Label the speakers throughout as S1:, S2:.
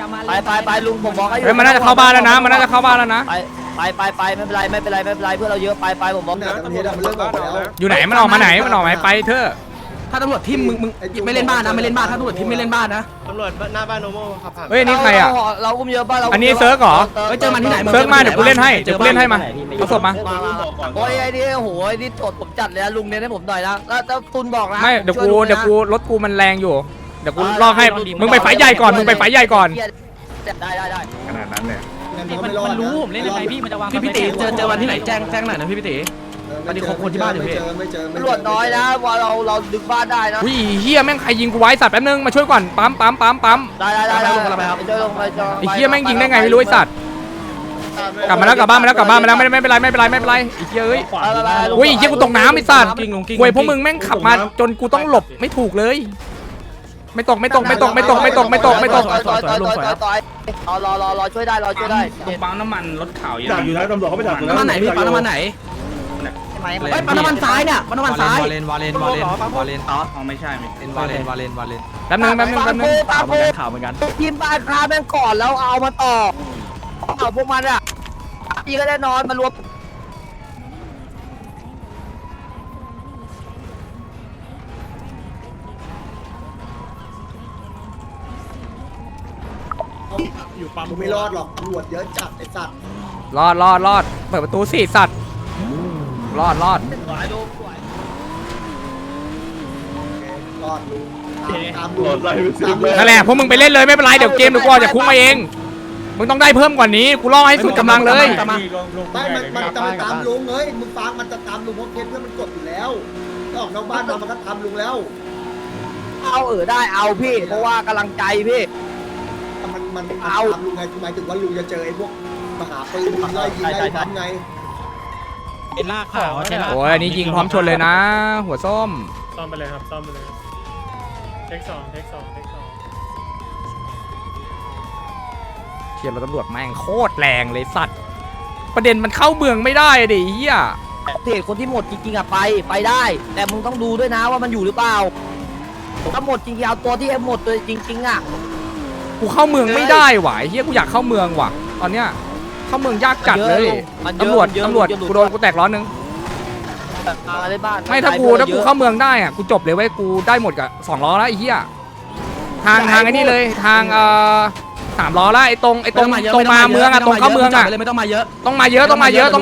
S1: ไปลุงผมบอกให้
S2: เฮ้ยมันน่าจะเข้าบ้านแล้วนะมันน่าจะเข้าบ้านแล้วนะ
S1: ไปไม่เป็นไรเพื่อนเราเยอะไปผมบอก
S2: อยู่ไหนมันออกมาไหนมันออกมาไปเถอะ
S3: ถ้าตำรวจทิมมึงไม่เล่นบ้านนะไม่เล่นบ้านถ้าตำรวจทิมไม่เล่นบ้านนะ
S4: ตำรวจหน้าบ้านโนโม่ครับ
S2: เฮ้ยนี่ใครอ่ะ
S1: เราอุ้มเยอะบ้านเรา
S2: อันนี้เซิร์กเหรอ
S3: เจอมันที่ไหน
S2: เซิร์กมาเดี๋ยวกูเล่นให้มาเอาศพมา
S1: โอ้ยไอ้นี่โหไอ้นี่ตดผมจัดเลยลุงเนี่ยให้ผมหน่อยนะแล้วตุนบอกนะ
S2: ไม่เดี๋ยวกูรถกูมันแรงอยู่เดี๋ยวกูลอกให้มึงไปไฟใหญ่ก่อนได้
S1: ขนาด
S2: นั้นเลย
S5: มันรู้ผมเล่นยังไงพี่มันจะวาง
S3: พี่ตีเจอวันที่ไหนแจ้งหน่อยนะพี่ตีวันนี้ครบคนที่บ้านอยู่พี่
S1: ตำรวจน้อยนะว่าเราดึงบ้านได้นะ
S2: อุ้ยเฮียแม่งใครยิงกูไว้สัตว์แป๊บนึงมาช่วยก่อนปั๊ม
S1: ได้ลงไปครับ
S2: ไอ้เฮียแม่งยิงได้ไงไม่รู้ไอ้สัตว์กลับบ้านมาแล้วไม่เป็นไรไอ้เฮียเอ้ยอุ้ยไอ้เฮียกูตกน้ำไอ้สัตว์เว้ยพวกมึงแม่งขับมาจนกูต้องหลบไม่ถูกเลยไม่ตก
S1: ต่อยรอช่วยได้
S5: ตรงปั๊มน้ำมันรถขาว
S4: ดักอยู่นะตำรวจเขาไม่ดัก
S3: น้ำมันไหนพี่ปั๊มน้ำมันไหนปั๊มน้ำมันซ้ายเนี่ยปั๊มน้ำมันซ้ายว
S5: าเลนอ๋อไม่ใช่เป็นวาเลน
S2: แป๊บนึง
S1: ตาโพข่าวเหมือนกันทีมบ้านคาแม่งก่อนแล้วเอามาต่อเอาพวกมันอ่ะพี่ก็ได้นอนมารวม
S4: อยู่ปั๊มไม่รอดหรอกตำรวจเยอะจัดไอ้สัตว์
S2: รอดเปิดประตูสิสัตว์รอด
S4: รอดลุงตามรวจไล่ไปสิเลย
S2: นั่นแหละพวกมึงไปเล่นเลยไม่เป็นไรเดี๋ยวเกมเดี๋ยวกูจะคุ้มมาเองมึงต้องได้เพิ่มกว่านี้กูล่อให้สุดกำลังเลย
S4: ไม่มันจะมาตามลุงเฮ้ยมึงฟังมันจะตามลุงเพราะเคสเพื่อนมันกดอยู่แล้วออกนอกบ้านมามันก็ตามลุงแล้ว
S1: เอาได้เอาพี่เพราะว่ากำลังใจพี่
S4: มันตามลุงไงหมายถึงว่าลุงจะเจอไอ้พวกมหาปืนไล่ยิงไล่ทำไง
S5: เป็นลากขาวใช่ไหม
S2: โอ้ยอันนี้ยิงพร้อมชนเลยนะ หัวส้ม
S6: ซ่อมไปเลยครับซ่อมไปเลยเทคสอง
S2: เชียร์รถตำรวจแม่งโคตรแรงเลยสัตว์ประเด็นมันเข้าเมืองไม่ได้ดิเฮีย
S1: เพจคนที่หมดจริงๆอ่ะไปได้ แต่มึงต้องดูด้วยนะว่ามันอยู่หรือเปล่าถ้าหมดจริงๆเอาตัวที่หมดตัวจริงๆอ่ะ
S2: กูเข้าเมืองไม่ได้ว่ะเฮียกูอยากเข้าเมืองว่ะตอนเนี้ยเข้าเมืองยากจัดเลยตำรวจกูโดนกูแตกล้อนึงไม่ถ้ากูเข้าเมืองได้อ่ะกูจบเลยเว้ยกูได้หมดกับ2 ล้อแล้วไอ้เหี้ยทางไอ้นี่เลยทาง3 ล้อแล้วไอ้ตรงมาเมืองอ่ะตรงเข้าเมืองอ่ะ
S3: เลยไม่ต้องมาเยอะ
S2: ต้องมาเยอะ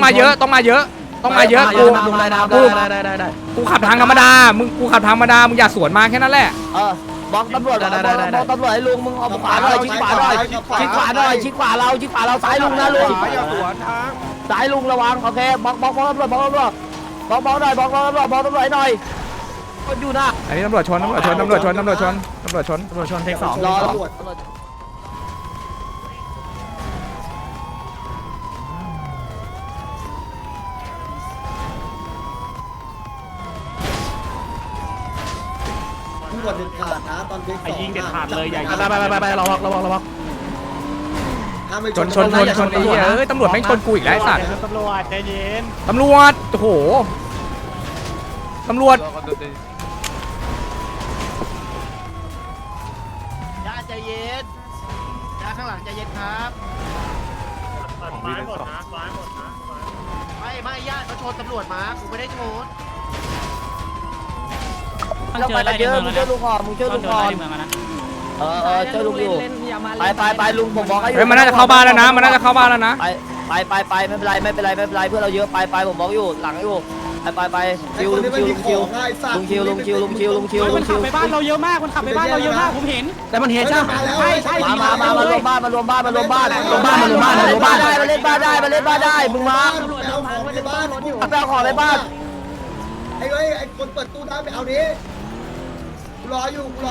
S2: กูขับทางธรรมดากูขับทางธรรมดามึงอย่าสวนมาแค่นั้นแหละ
S1: บอกตำรวจบอกตำรวจให้ลุงมึงเอาขวาหน่อยชิดขวาหน่อยชิดขวาเราซ้ายลุงนะลุงซ้ายลุงระวังโอเคบอกตำรวจบอกหน่อยบอกตำรวจหน่อยคนอยู่นะ
S2: อันนี้ตำรวจชนเทคสอง
S1: รอ
S4: ตำรวจเด็ดขาดนะตอนเด็ก
S5: ไอ้ยิงเด็ดขาดเลยอย่า
S3: ไประวัง
S2: ชนไอ้เหี้ยเอ้ยตำรวจแม่งชนกูอีกแล้วไอ้สัตว์
S5: ตำรวจใจเย็น
S2: ตำรวจโอ้โหตำรวจ
S1: ย่าใจเย็นย่าข้างหลังใจเย็นครับ
S6: ซ้ายหมดนะ
S1: ไม่ย่าเขาชนตำรวจมากูไม่ได้ชน
S5: เราไปกันเยอะมึงช่วยลุง
S1: มึงช่วยลุงก่อน
S5: เมืองนะ
S1: ช่วยลุงอยู่ไปลุงผมบอกให้
S2: เฮ้ยมันน่าจะเข้าบ้านแล้วนะไปไม่เป็นไรเพื่อนเราเยอะไปผมบอกอยู่หลังอยู่ไปคิว
S5: มันขับไปบ้านเราเยอะมากผมเห็น
S3: แต่มันเห็นใช่ไหม
S5: ใช่
S1: มารวมบ้านมาเล่นบ้านได้มึงมาไปเอาของในบ้าน
S4: ไอ้คนเปิดตู้ได้ไปเอานี้กูรออยู่กู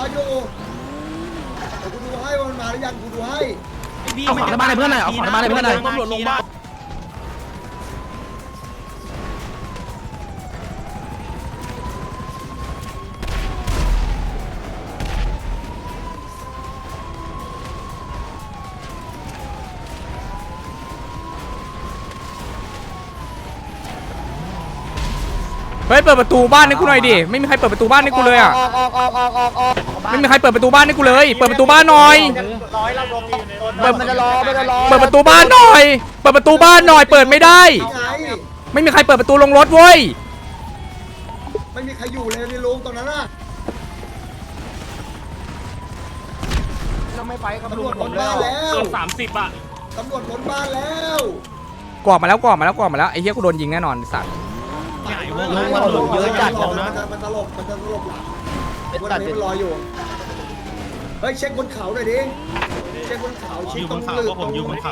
S4: ดูให้มันมาหรือยังกูดูให้
S3: เอาของในบ้านให้เพื่อนหน่อยเอาของในบ้านให้เพื่อนหน่อย
S5: ตำรวจลงบ้าน
S2: เฮ้ยเปิดประตูบ้านให้กูหน่อยดิไม่มีใครเปิดประตูบ้านให้กูเลยอ่ะ
S1: ออกบ้าน
S2: ไม่มีใครเปิดประตูบ้านให้กูเลยเปิดประตูบ้านหน่อย
S6: ร้อยเรารวมอยู่ในรถ
S1: เปิดมันจะรอ
S2: เปิดประตูบ้านหน่อยเปิดประตูบ้านหน่อยเปิดไม่ได้
S4: ไง
S2: ไม่มีใครเปิดประตูลงรถเว้ย
S4: ไม่มีใครอยู่เลยในโรงตรงนั้นน่ะ
S1: เราไม่ไปกับ
S4: ตำร
S1: ลุ
S4: ว
S1: ง
S4: จล้นบ้านแล้ว
S6: เกือบ30อ่ะ
S4: ตำรวจล้นบ้านแล้ว
S2: กรอบมาแล้วไอ้เหี้ยกูโดนยิงแน่นอนไอ้สัตว์
S1: ลุงเยอะจัด
S4: มันตลบหลังวันนี้มันรออยู่เฮ้ยเช็คบนเขาหน่อยดิเช็คบนเขาเช็คตรงหลืบตรง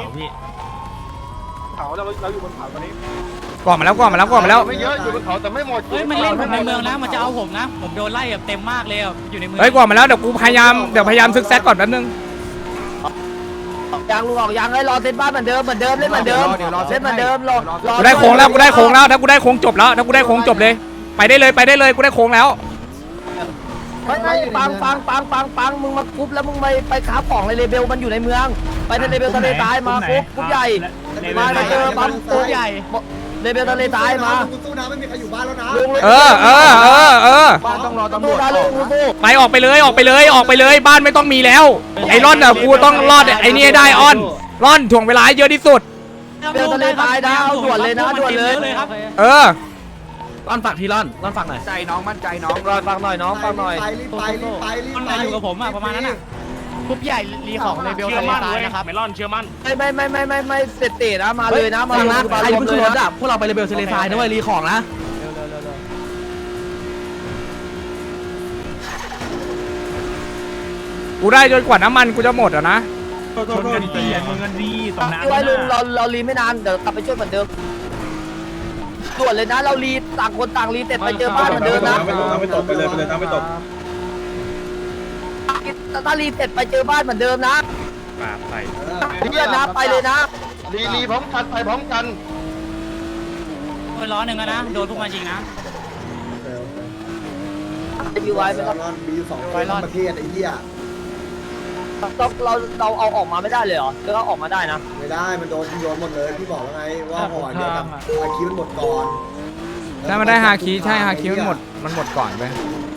S1: เขาเราอยู่บนเขาตอนนี้
S2: กรอบมาแล้ว
S1: ไม่เยอะอยู่บนเขาแต่ไม่หมด
S5: เฮ้ยมันเล่นผมในเมืองนะมันจะเอาผมนะผมโดนไล่แบบเต็มมากเลยอยู่ในเมือง
S2: เฮ้ยกรอบมาแล้วเดี๋ยวกูพยายามซึกแซกก่อนแป๊บนึง
S1: ยางลุงออกยางให้รอเซตบ้านเหมือนเดิมเล่นเหมือนเดิมรอ
S2: กูได้โค้งแล้วถ้ากูได้โค้งจบเลยไปได้เลยกูได้โค้งแล้ว
S1: ไม่ปังมึงมากรุ๊ปแล้วมึงไปค้าของในเลเบลมันอยู่ในเมืองไปในเลเบลทะเลตายมากรุ๊ปใหญ่มาเจอปั๊มตัวใหญ่เลเบลทะเลตายมา
S4: ตู้น้ำไม่มีใครอยู่บ้านแล้วนะ
S2: เออ
S1: บ้านต้องรอตำรวจลุง
S2: ไปออกไปเลยบ้านไม่ต้องมีแล้วไอ้ร่อนอ่ะกูต้องรอดไอ้นี่ได้ออนร่อนถ่วงเวลาเยอะที่สุด
S1: เลเบลทะเลตายนะเอาด่วนเลยนะด่วนเลย
S5: ครับ
S2: เออ
S1: ร่อนฝากทีร่อนฝากหน่อยใจน้องมั่นใจน้องรอฟังหน่อยน้องฟังหน่อย
S4: รีบไป
S5: มันมาอยู่กับผมประมาณนั้นน่ะกรุ๊ปใหญ่รีของในเบล
S6: เชื่อ
S5: ทะเล
S6: มั่น
S5: ทรา
S6: เลย ย
S5: นะครับ
S6: เมลอนเชื่อมั่น
S1: ไม่เสร็จนะมาเลยนะมาเลยใครเพิ่งขึ้นรถอ่ะพวกเราไปเลเบลทะเลทรายนะเว้ยรีของนะ
S2: กูได้จนกว่าน้ำมันกูจะหมดอ่ะนะ
S6: ชนกันดีชนกันดีตรงนั้น
S1: ไว้ลุงเรารีไม่นานเดี๋ยวกลับไปช่วยเหมือนเดิมด่วนเลยนะเรารีต่างคนต่างรีเสร็จไปเจอบ้านเหมือนเดิมนะ
S4: ไม่ตกไปเลยน้ำไม่ตก
S1: ถ้ารีเสร็จไปเจอบ้านเหมือนเดิมนะ
S6: ปาไป
S1: เพื่อนนะไปเลยนะ
S7: รีพร้อมกันไปพร้อมกัน
S5: ล้อหนึ่งนะโดนพวกมันยิงนะ
S1: มีไว้ไม่ต้อง
S4: มีอยู่2ประเทศไอ้เหี้ย
S1: เราเอาออกมาไม่ได้เลยเหรอหรือเราออกมาได้นะ
S4: ไม่ได้มันโดนหมดเลยพี่บอกแล้วไงว่าห่อเดียวกับอาคีมันหมดก่อน
S2: ถ้ามันได้ฮาคิใช่ฮาคิมันหมดก่อนไป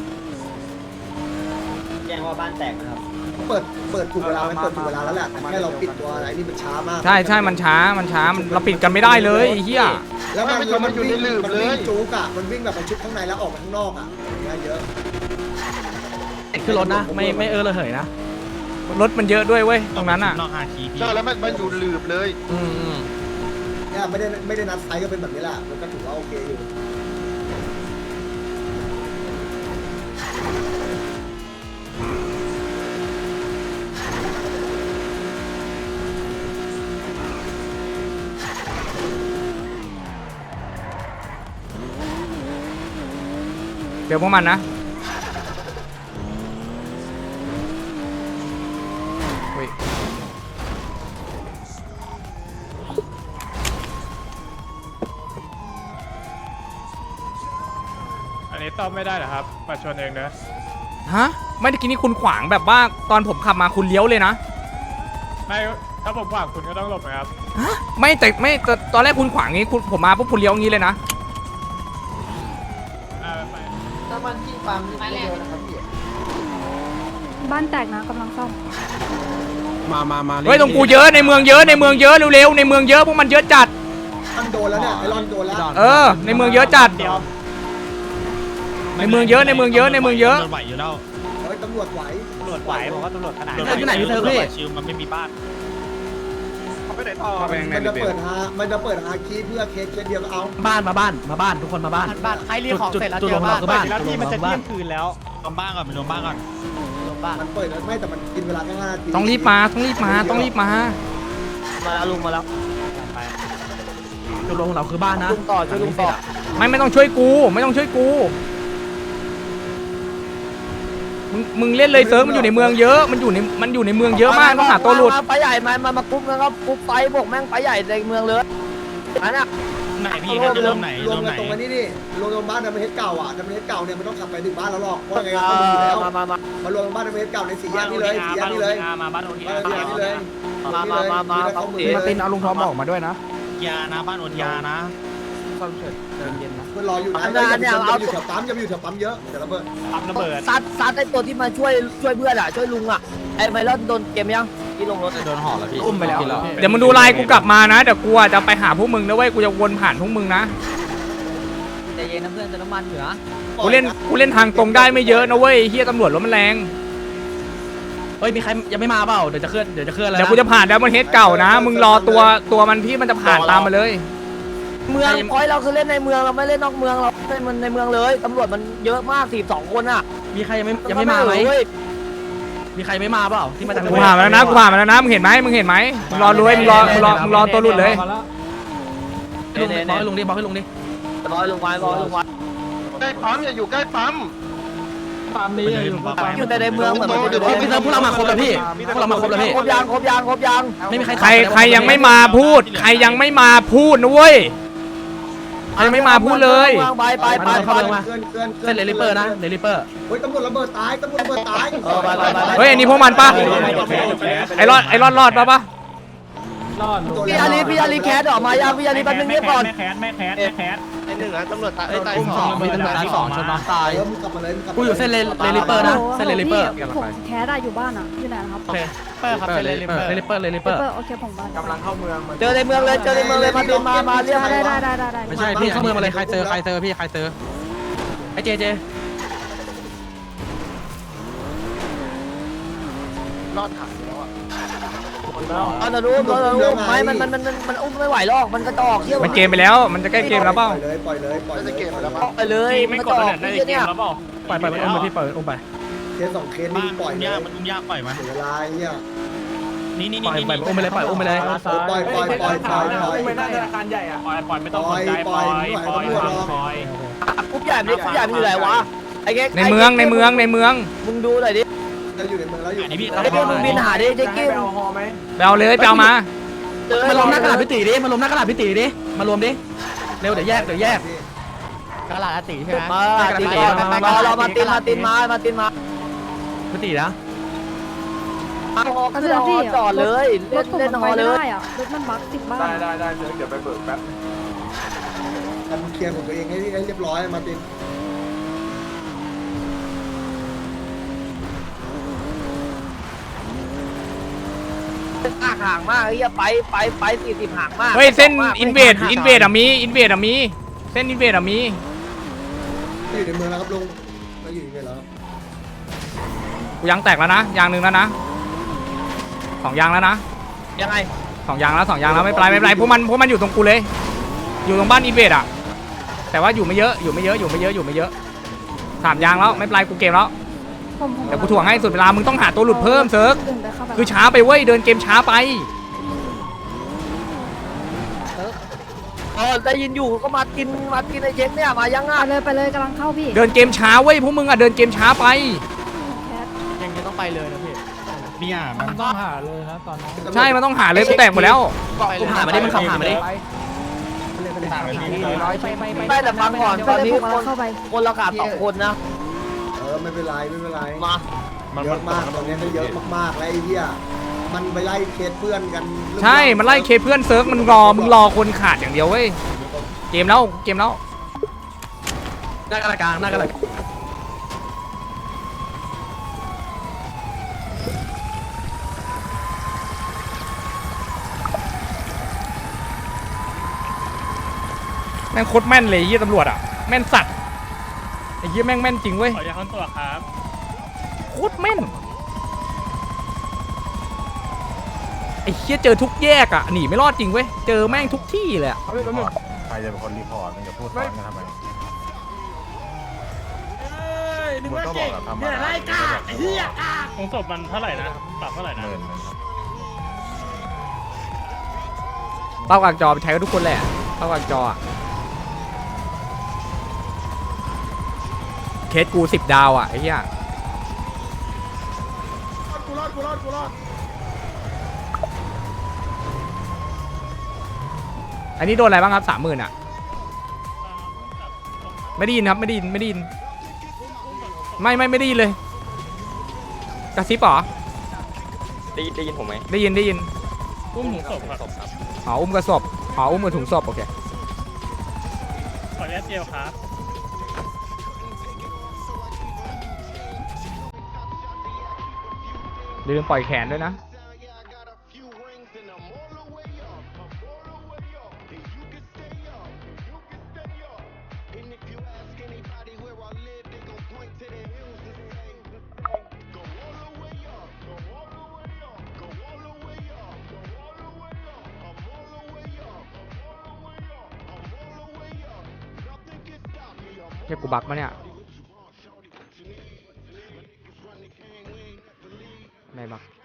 S3: แจ้งว่าบ้านแตกนะครับ
S4: เปิดถูกเวลามันเปิดถูกเวลาแล้วแหละแต่แค่เราปิดตัวอะไรนี่มันช้ามาก
S2: ใช่มันช้าเราปิดกันไม่ได้เลยไอ้เหี้ย
S4: แล้วมันอยู่ในลืบเลยจุกอ่ะมันวิ่งแบบมันชุดข้างในแล้วออกมาข้างนอกอ่ะเยอะ
S1: ขึ้นรถนะไม่ระเหยนะ
S2: รถมันเยอะด้วยเว้ยตรงนั้นอ่ะ
S6: นอกฮาคีพี่
S7: ใช่แล้วมันอยู่ลืบเลย
S4: เนี่ยไม่ได้นัดไซส์ก็เป็นแบบนี้แหละมันก็ถือว่าโอเคอยู่
S2: เดี๋ยวพวกมันนะเฮ้ย
S6: อันนี้ต้อมไม่ได้เหรอครับมาชนเองนะ
S2: ฮะไม่ได้กินนี่คุณขวางแบบว่าตอนผมขับมาคุณเลี้ยวเลยนะ
S6: ไม่ถ้าผมขวางคุณก็ต้องหลบนะครับ
S2: ฮะไม่แต่ตอนแรกคุณขวางงี้ผมมาปุ๊บคุณเลี้ยวงี้เลยนะ
S6: ไป
S4: ถ้ามันที่ปั๊มนี่เดียวนะครับพี่
S8: บ้านแตกนะกำลังซ่อม
S5: มา
S2: เฮ้ยตรงกูเยอะในเมืองเยอะเร็วๆในเมืองเยอะพวกมันเยอะจัด
S4: มันโดนแล้วเนี่ยไอรอนโดนแล้ว
S2: เออในเมืองเยอะจัดในเมืองเยอะ
S6: ไหวอยู่แล้ว
S4: เฮ้ยตำรวจไหว
S5: ตำรวจไหวบอกว่าตำรวจขนาด
S1: ที่ไหนพี่เธอพี่
S6: ชิวมันไม่มีบ้าน
S4: มันจะเปิดฮาคีเพื่อเคสเดียวก็เอา
S1: บ้านทุกคนมาบ้าน
S5: บ้านใครรีของเสร็จแล้วเจอบ้านแล้วที่มันจะเที่ยงคืนแล้ว
S6: รวมบ้านก่อนไปรวมบ้านก่อน
S4: มันเปิดไม่แต่มันกินเวลาแค่5 นาที
S2: ต้องรีบมา
S1: มาแล้วลุงมาแล้วจุดลงของเราคือบ้านนะลุงต่อช่วยลุงต่อ
S2: ไม่ต้องช่วยกูมึงเล่นเลยเซิร์ฟมันอยู่ในเมืองเยอะมันอยู่ในเมืองเยอะมากต้องหาตัวหลุด
S1: ไปใหญ่มากรุ๊ปนะครับกรุ๊ปไฟบวกแม่งไปใหญ่ในเมืองเลยอันน่ะ
S6: ไหนพี่น่าจะรวมไหน
S4: รวมกันตรงนี้นี่รวมบ้านในประเทศเก่าอ่ะในประเทศเก่าเนี่ยมันต้องขับไปถึงบ้านแล้วหรอกเพราะไงเขาดูอยู่แล้วมารวมบ้านในประเทศเก่าใน4 แยกนี่เลย4 แยกนี่เลย
S5: มาบ้านโอที
S4: บ้านนี่เลย
S1: มา
S4: มาตินเอาลุงทอมออกมาด้วยนะ
S6: ยานะบ้านอดยานะ
S1: ไฟ
S3: ซ่อมเสร็จเดินเย็นนะ
S4: เพื่อนรออยู่นะอย่าอยู่แถวปั๊มอย่าอยู่แถวปั๊มเยอะเดี๋ยวระเบิด
S5: ปั๊มระเบิด
S1: ซัดไอ้ตัวที่มาช่วยเพื่อนอ่ะช่วยลุงอ่ะไอ้ไมลอนโดนเกมยังที่ลงรถ
S3: โดนห่อแล้วพี่
S5: อุ้มไปแล้ว
S2: เดี๋ยวมึงดูไลน์กูกลับมานะเดี๋ยวกูจะไปหาพวกมึงนะเว้ยกูจะวนผ่านพวกมึงนะ
S1: ใจเย็นนะเพื่อนเติมน้ำมันเหลือ
S2: กูเล่นทางตรงได้ไม่เยอะนะเว้ยเฮียตำรวจรถมันแรง
S3: เฮ้ยมีใครยังไม่มาเปล่าเดี๋ยวจะเคลื่อนแล้ว
S2: เดี๋ยวกูจะผ่านแล้วมันเฮดเก่านะมึงรอตัวมันที่มันจะผ่านตามมาเลย
S1: เมืองพอยเราคือเล่นในเมืองเราไม่เล่นนอกเมืองเราเล่นมันในเมืองเลยตำรวจมันเยอะมาก42คนอ่ะ
S3: มีใครยังไม่มาไหมมีใครไม่มาเปล่าที่มาจาก
S2: กูผ่านมาแล้วนะมึงเห็นไหมมึงรอรวยมึงรอตัวหลุดเลย
S3: บอกให้ลุงดิบอกให้ลุงดิ
S1: ร้อยลงไว้
S7: ใกล้ปั๊มอย่าอยู่ใกล้ปั๊ม
S1: อยู่แต่ในเมืองเหมือนมันอยู่
S3: พี่เติมพวกเรามาครบแล้วพี่พวกเรามาครบแล้วพี่
S1: ครบยาง
S3: ไม่มีใคร
S2: ใครยังไม่มาพูดใครยังไม่มาพูดนะเว้ยใครยังไม่มาพูดเลย
S1: ไป
S3: เส้นเลลิเปอร์นะเลลิเปอร์
S4: เฮ้ยตำรวจระเบิดตายไป
S2: เฮ้ยอันนี้พวกมันปะไอ้รอดปะ
S1: พี่อาลีแคสออกมายังพี่อาลีแป๊บนึงเงียบก่อน
S5: ไม่แคส
S7: ไอ้หนึ่งนะตำรวจตายตาย
S3: อุ้ม
S7: สอง
S3: มีตำรวจตาย2ชนน้องตาย
S4: มึงกลับมาเลย
S3: กูอยู่เส้นเลลิเปอร์นะเส้นเลลิเปอร์
S8: ผมแคสอะอยู่บ้านอะอยู่ไหนนะครับ
S3: โอเค
S5: เปอร์ครับเป็นเลลิเปอร์
S3: เลลิเปอร์
S8: โอเคผมบ้าน
S3: กำลังเข้าเมือง
S1: เจอในเมืองเลยมาตีมาเรียก
S8: ได้
S3: ไม่ใช่พี่เข้าเมืองมาเลยใครเจอพี่ใครเจอไอ้เจ
S7: รอดถังแล้วอ่ะ
S1: เรารู้ไม่มันอุ้มไม่ไหวหรอกมันกระจอกเที่ยว
S2: มันเกมไปแล้วมันจะใกล้เกมแล้วเปล่า
S4: ปล่อยเลย
S7: น่าจะเก็บไปแล้วมั้ง
S1: ไปเลย
S5: ไม่
S1: มัน
S5: ก
S1: ก
S5: ด
S1: ระจอก
S5: ได้
S1: ที่
S5: เก
S1: เนี่ย
S5: มแล้วเปล่า
S3: ปล่อยมันอุ้มไปพี่ปล่อยอุ้มไป
S4: เคส2เคสนี่ปล่อยเลย
S5: มันยากปล่อยมัน
S4: เสียเวลาเนี่ย
S5: นี่
S3: ปล่อยอุ้มไปเลยปล่อยอุ้มไปเลย
S4: ปล่อย
S5: ไม่ได้ธนาคารใหญ่อ่ะปล่อยไม่ต้องสนใจปล่อย
S1: กุ๊บใหญ่มันอยู่ไหนวะไอ้แก
S2: ในเมือง
S1: มึงดูหน่อยดิ
S4: เราอยู่ในเมืองแล้วอยู่
S1: ไอ้เพื่อนมึงบินหาดิเจ๊กิ้ม
S2: ไปเอาเลยไปเอามา
S3: มารวมหน้ากระดาษพี่ตีดิมารวมหน้ากระดาษพี่ตีดิมารวมดิเร็วเดี๋ยวแยกกระดาษตีใช่ไหม
S1: มาเรามาตินมา
S3: พี่ตีนะ
S1: จอดเลย
S8: รถผม
S1: เล่น
S8: มัน
S1: ฮ
S8: ไป
S1: อเล
S8: ไม่
S1: ย
S8: ได้อะรถมันบั๊กติดบ้าน
S3: ได้เดี๋ยวไปเบิกแป๊บ
S4: ทำเคลียร์ของตัวเองให้เรียบร้อยมาติน
S1: ห่างมากไอ้เหี้ยไป40ห่างมาก
S2: เฮ้ยเส้นอินเวดอ่ะมีเส้นอินเวดอ่ะมี
S4: อยู่ในเมืองแล้วครับลุงเราอยู่ในเมืองแล้ว
S2: กูยางแตกแล้วนะยางหนึ่งแล้วนะ2ยางแล้วนะ
S1: ยังไง
S2: 2 ยางแล้วไม่เป็นไรพวกมันอยู่ตรงกูเลย อยู่ตรงบ้านอินเวดอ่ะแต่ว่าอยู่ไม่เยอะ3 ยางแล้วไม่เป็นไรกูเกมแล้วเดี๋ยวกูถ่วงให้สุดเวลามึงต้องหาตัวหลุดเพิ่มเซิร์กคือช้าไปเว้ยเดินเกมช้าไป
S1: ได้ยินอยู่ก็มากินไอ้เช็คเนี่ยมายังอ่ะ
S8: ไปเลยกำลังเข้าพี่
S2: เดินเกมช้าเว้ยพวกมึงอ่ะเดินเกมช้าไป
S8: แคส
S3: ยังจะต้องไปเลยนะพี่
S5: เนี่ยมันต้องหาเลยนะตอนนี้
S2: ใช่มันต้องหาเลยกูแตกหมดแล้ว
S3: กูผ่านมาดิมันขับผ่านมาดิ
S1: ไม่แต่ฟังก่อนตอนนี้
S8: ผมกำลังเข้าไป
S1: คนละขาด2คนนะ
S4: ไม่เป็นไร
S1: มา
S4: เยอะมากตอนนี้ก็เยอะมากๆแล้วไอ้เหี้ยมันไปไล่เคสเพื่อนกัน
S2: ใช่มันไล่เคเพื่อนเซิร์กมึงรอคนขาดอย่างเดียวเว้ยเกมแล้ว
S3: หน้ากระกลาง
S2: แม่งโคตรแม่นเลยยี่ตำรวจอ่ะแม่นสัตว์ไอ้ยี่แม่งแม่นจริงเว้ย
S5: ขออนุญาตค้นตัวครับ
S2: โคตรแม่นไอ้เหี้ยเจอทุกแยกอ่ะหนีไม่รอดจริงเว้ยเจอแม่งทุกที่เลยอ่ะ
S9: ใครจะเป็นคนรีพอร์ตมันจะพูดซ้อนกันทำไมมึงก็บอกแบบทำอะไรกาไอ้เหี้ย
S5: ของศพมันเท่าไหร่นะปรับเท่าไหร่นะ
S2: เป้ากลางจอไปใช้กับทุกคนแหละเป้ากลางจออะเคสกู10 ดาวอ่ะไอ้เหี้ยอันนี้โดนอะไรบ้างครับ30,000อ่ะไม่ได้ยินครับไม่ได้ยินไม่ได้ยินเลยกระซิบเหรอ
S3: ได้ยินผมไหม
S2: ได้ยิน
S5: อุ้มถุงศพครับ
S2: อ๋ออุ้มกระสอบอ๋ออุ้มกระถุงศพโอเค
S6: ออนุญาตเจลครับ
S2: ลืมปล่อยแขนด้วยนะเฮียกูบักมาเนี่ยไม่บัก